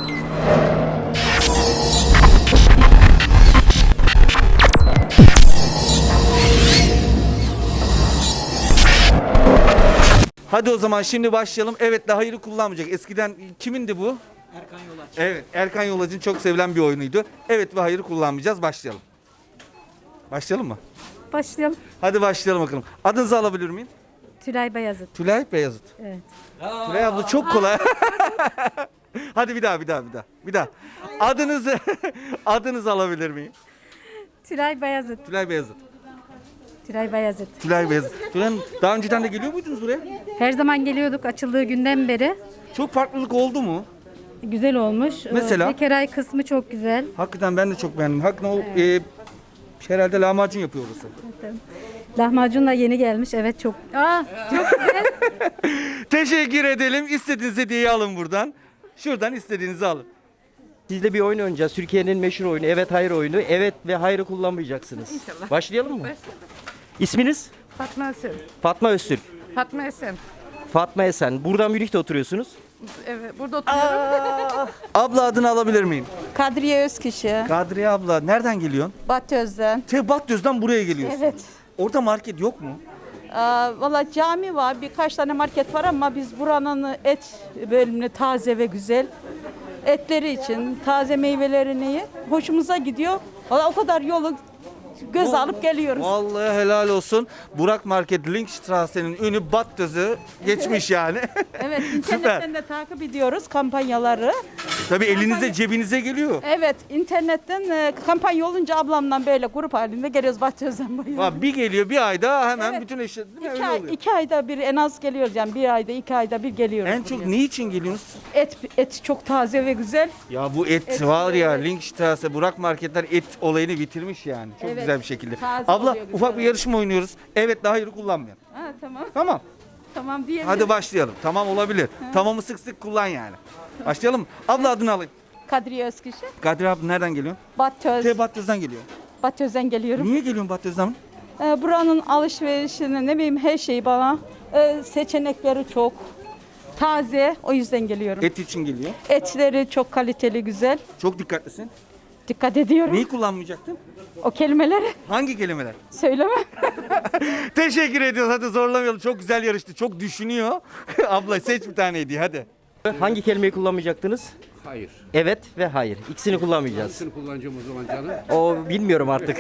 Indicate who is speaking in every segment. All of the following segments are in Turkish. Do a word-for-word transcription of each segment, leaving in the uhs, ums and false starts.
Speaker 1: Hadi o zaman şimdi başlayalım. Evet de hayırı kullanmayacak. Eskiden kimindi bu?
Speaker 2: Erkan Yolaç.
Speaker 1: Evet, Erkan Yolaç'ın çok sevilen bir oyunuydu. Evet ve hayırı kullanmayacağız. Başlayalım. Başlayalım mı?
Speaker 3: Başlayalım.
Speaker 1: Hadi başlayalım bakalım. Adınızı alabilir miyim?
Speaker 3: Tülay Bayazıt.
Speaker 1: Tülay Beyazıt.
Speaker 3: Evet.
Speaker 1: Tülay abla çok kolay. Hadi bir daha, bir daha, bir daha. Bir daha. Adınızı adınızı alabilir miyim?
Speaker 3: Tülay Bayazıt.
Speaker 1: Tülay Beyazıt.
Speaker 3: Tülay Bayazıt.
Speaker 1: Tülay Beyazıt. Tülay Hanım, daha önceden de geliyor muydunuz buraya?
Speaker 3: Her zaman geliyorduk açıldığı günden beri.
Speaker 1: Çok farklılık oldu mu?
Speaker 3: Güzel olmuş.
Speaker 1: Mesela?
Speaker 3: Bekeray kısmı çok güzel.
Speaker 1: Hakikaten ben de çok beğendim. Hakikaten o e, herhalde lahmacun yapıyor orası.
Speaker 3: Lahmacun da yeni gelmiş. Evet çok. Aa, çok güzel.
Speaker 1: Teşekkür edelim. İstediğiniz hediyeyi alın buradan. Şuradan istediğinizi alın.
Speaker 2: Sizle bir oyun oynayacağız. Türkiye'nin meşhur oyunu. Evet hayır oyunu. Evet ve hayırı kullanmayacaksınız.
Speaker 4: İnşallah.
Speaker 2: Başlayalım mı?
Speaker 4: Başlayalım.
Speaker 2: İsminiz?
Speaker 4: Fatma Esen.
Speaker 2: Fatma Öztürk.
Speaker 4: Fatma Esen.
Speaker 2: Fatma Esen. Buradan Münih'te oturuyorsunuz.
Speaker 4: Evet, burada oturuyorum.
Speaker 1: Abla adını alabilir miyim?
Speaker 5: Kadriye Özkişi,
Speaker 1: Kadriye abla nereden geliyorsun?
Speaker 5: Batöz'den.
Speaker 1: Tebatöz'den buraya geliyorsun.
Speaker 5: Evet.
Speaker 1: Orada market yok mu?
Speaker 5: Aa, valla cami var, birkaç tane market var ama biz buranın et bölümünü taze ve güzel. Etleri için, taze meyvelerini hoşumuza gidiyor. Valla o kadar yolu göz alıp geliyoruz.
Speaker 1: Vallahi helal olsun. Burak Market Linkstrasse'nin ünü Batöz'ü geçmiş yani.
Speaker 5: Evet,
Speaker 1: Süper.
Speaker 5: internetten de takip ediyoruz kampanyaları.
Speaker 1: Tabii elinize cebinize geliyor.
Speaker 5: Evet, internetten e, kampanya olunca ablamla böyle grup halinde geliyoruz Batöz'den buraya.
Speaker 1: Bak bir geliyor bir ayda hemen
Speaker 5: Evet.
Speaker 1: bütün eşya değil mi?
Speaker 5: İki,
Speaker 1: Öyle
Speaker 5: ay,
Speaker 1: oluyor.
Speaker 5: iki ayda bir en az geliyoruz yani bir ayda iki ayda bir geliyoruz.
Speaker 1: En çok
Speaker 5: buraya.
Speaker 1: ne için geliyorsunuz?
Speaker 5: Et, et çok taze ve güzel.
Speaker 1: Ya bu et,
Speaker 5: Et
Speaker 1: var ya
Speaker 5: evet.
Speaker 1: Linkstrasse, Burak Marketler et olayını bitirmiş yani. Çok
Speaker 5: Evet.
Speaker 1: güzel bir şekilde.
Speaker 5: Taze
Speaker 1: Abla
Speaker 5: oluyor, güzel
Speaker 1: ufak bir
Speaker 5: oluyor.
Speaker 1: yarışma oynuyoruz. Evet daha hayır kullanmayalım.
Speaker 5: Ha, tamam.
Speaker 1: Tamam.
Speaker 5: Tamam diyelim.
Speaker 1: Hadi başlayalım. Tamam olabilir. Tamamı sık sık kullan yani. Başlayalım mı? Abla adını alayım.
Speaker 5: Kadriye Özkişi.
Speaker 1: Kadir abi nereden geliyorsun?
Speaker 5: Batöz.
Speaker 1: Te Batöz'den geliyor.
Speaker 5: Batöz'den geliyorum.
Speaker 1: Niye geliyorsun Batöz'den?
Speaker 5: Ee, buranın alışverişini ne bileyim her şeyi bana e, seçenekleri çok taze o yüzden geliyorum.
Speaker 1: Et için geliyor.
Speaker 5: Etleri çok kaliteli güzel.
Speaker 1: Çok dikkatlisin.
Speaker 5: Dikkat ediyorum.
Speaker 1: Neyi kullanmayacaktın?
Speaker 5: O kelimeleri
Speaker 1: Hangi kelimeler?
Speaker 5: söyleme.
Speaker 1: Teşekkür ediyoruz. Hadi zorlamayalım. Çok güzel yarıştı. Çok düşünüyor. Abla seç bir tane hediye hadi.
Speaker 2: Hangi kelimeyi kullanmayacaktınız?
Speaker 6: Hayır.
Speaker 2: Evet ve hayır. İkisini kullanmayacağız.
Speaker 6: Hangisini kullanacağım o zaman canım?
Speaker 2: O bilmiyorum artık.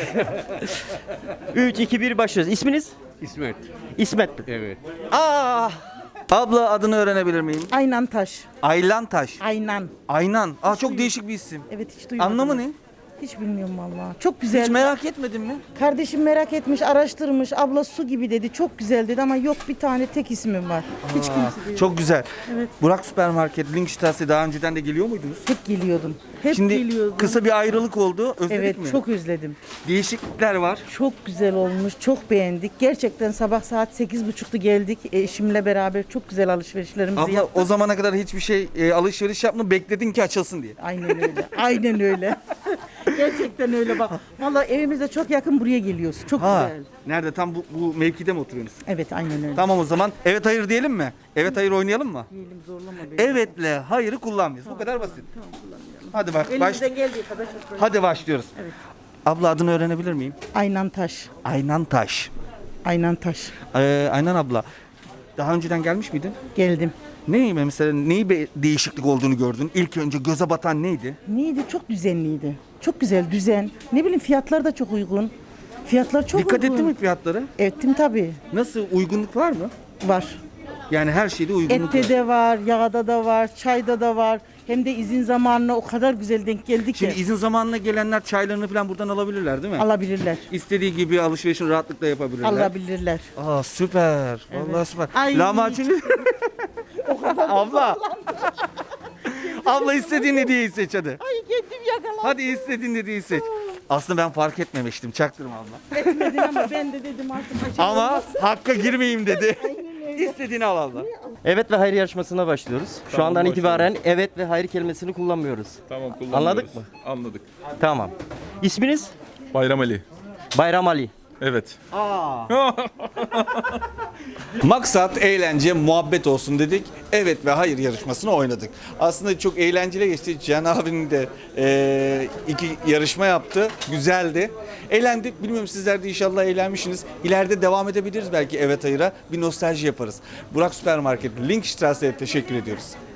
Speaker 2: üç, iki, bir başlıyoruz. İsminiz?
Speaker 6: İsmet.
Speaker 2: İsmet.
Speaker 6: Evet.
Speaker 2: Aa!
Speaker 1: Abla adını öğrenebilir miyim?
Speaker 7: Aynan Taş.
Speaker 1: Aylan Taş.
Speaker 7: Aynan.
Speaker 1: Aynan. Aa çok değişik bir isim.
Speaker 7: Evet hiç duymadım.
Speaker 1: Anlamı ne?
Speaker 7: Hiç bilmiyorum vallahi. Çok güzel.
Speaker 1: Hiç merak etmedin mi?
Speaker 7: Kardeşim merak etmiş, araştırmış. Abla su gibi dedi. Çok güzel dedi ama yok bir tane tek ismim var. Hiç kimse diyor.
Speaker 1: Çok güzel.
Speaker 7: Evet.
Speaker 1: Burak Süpermarket, Linkstrasse daha önceden de geliyor muydunuz?
Speaker 7: Hep geliyordum. Hep
Speaker 1: Şimdi
Speaker 7: geliyordum.
Speaker 1: kısa bir ayrılık oldu. Özledik
Speaker 7: Evet
Speaker 1: mi?
Speaker 7: çok özledim.
Speaker 1: Değişiklikler var.
Speaker 7: Çok güzel olmuş. Çok beğendik. Gerçekten sabah saat sekiz buçukta geldik. Eşimle beraber çok güzel alışverişlerimizi
Speaker 1: Abla
Speaker 7: yaptık.
Speaker 1: o zamana kadar hiçbir şey e, alışveriş yapma bekledin ki açılsın diye.
Speaker 7: Aynen öyle. Aynen öyle. Gerçekten öyle bak. Vallahi evimize çok yakın buraya geliyoruz. Çok
Speaker 1: Ha.
Speaker 7: güzel.
Speaker 1: Nerede? Tam bu, bu mevkide mi oturuyorsunuz?
Speaker 7: Evet aynen öyle.
Speaker 1: Tamam o zaman. Evet hayır diyelim mi? Evet hayır oynayalım mı?
Speaker 7: Diyelim zorlama beni.
Speaker 1: Evetle hayırı kullanmıyoruz. Bu kadar basit. Hadi bak. Baş...
Speaker 7: Elimizden geldiği kadar çok böyle.
Speaker 1: Hadi başlıyoruz. Abla adını öğrenebilir miyim?
Speaker 7: Aynan Taş.
Speaker 1: Aynan Taş.
Speaker 7: Aynan Taş.
Speaker 1: Ee, Aynan abla. Daha önceden gelmiş miydin?
Speaker 7: Geldim.
Speaker 1: Neyi mesela neyi bir değişiklik olduğunu gördün? İlk önce göze batan neydi?
Speaker 7: Neydi? Çok düzenliydi. Çok güzel düzen. Ne bileyim fiyatlar da çok uygun. Fiyatlar çok
Speaker 1: Dikkat
Speaker 7: uygun.
Speaker 1: ettin mi fiyatlara?
Speaker 7: Ettim tabii.
Speaker 1: Nasıl uygunluk var mı?
Speaker 7: Var.
Speaker 1: Yani her şeyde uygunluk
Speaker 7: Ette
Speaker 1: var.
Speaker 7: de var, yağda da var, çayda da var. Hem de izin zamanına o kadar güzel denk geldi ki.
Speaker 1: Şimdi izin zamanına gelenler çaylarını falan buradan alabilirler değil mi?
Speaker 7: Alabilirler.
Speaker 1: İstediği gibi alışverişini rahatlıkla yapabilirler.
Speaker 7: Alabilirler.
Speaker 1: Aa süper. Vallahi süper.
Speaker 7: Ay.
Speaker 1: Lahmacun. Abla. Abla istediğin hediyeyi seç hadi.
Speaker 7: Ay kendim yakalandım.
Speaker 1: Hadi istediğin hediyeyi seç. Aslında ben fark etmemiştim. Çaktırma abla.
Speaker 7: Etmedin ama ben de dedim artık açalım.
Speaker 1: Ama hakka girmeyeyim dedi. İstediğini al abla.
Speaker 2: Evet ve hayır yarışmasına başlıyoruz. Şu
Speaker 8: Tamam,
Speaker 2: andan
Speaker 8: başlıyoruz.
Speaker 2: itibaren evet ve hayır kelimesini kullanmıyoruz.
Speaker 8: Tamam kullanıyoruz.
Speaker 2: Anladık mı?
Speaker 8: Anladık.
Speaker 2: Tamam. İsminiz?
Speaker 8: Bayram Ali.
Speaker 2: Bayram Ali.
Speaker 6: Evet.
Speaker 1: Maksat eğlence, muhabbet olsun dedik. Evet ve hayır yarışmasını oynadık. Aslında çok eğlenceli geçti. Cihan abinin de e, iki yarışma yaptı. Güzeldi. Eğlendik. Bilmiyorum sizler de inşallah eğlenmişsiniz. İleride devam edebiliriz belki evet hayıra. Bir nostalji yaparız. Burak Süpermarket, Linkstrasse'ye teşekkür ediyoruz.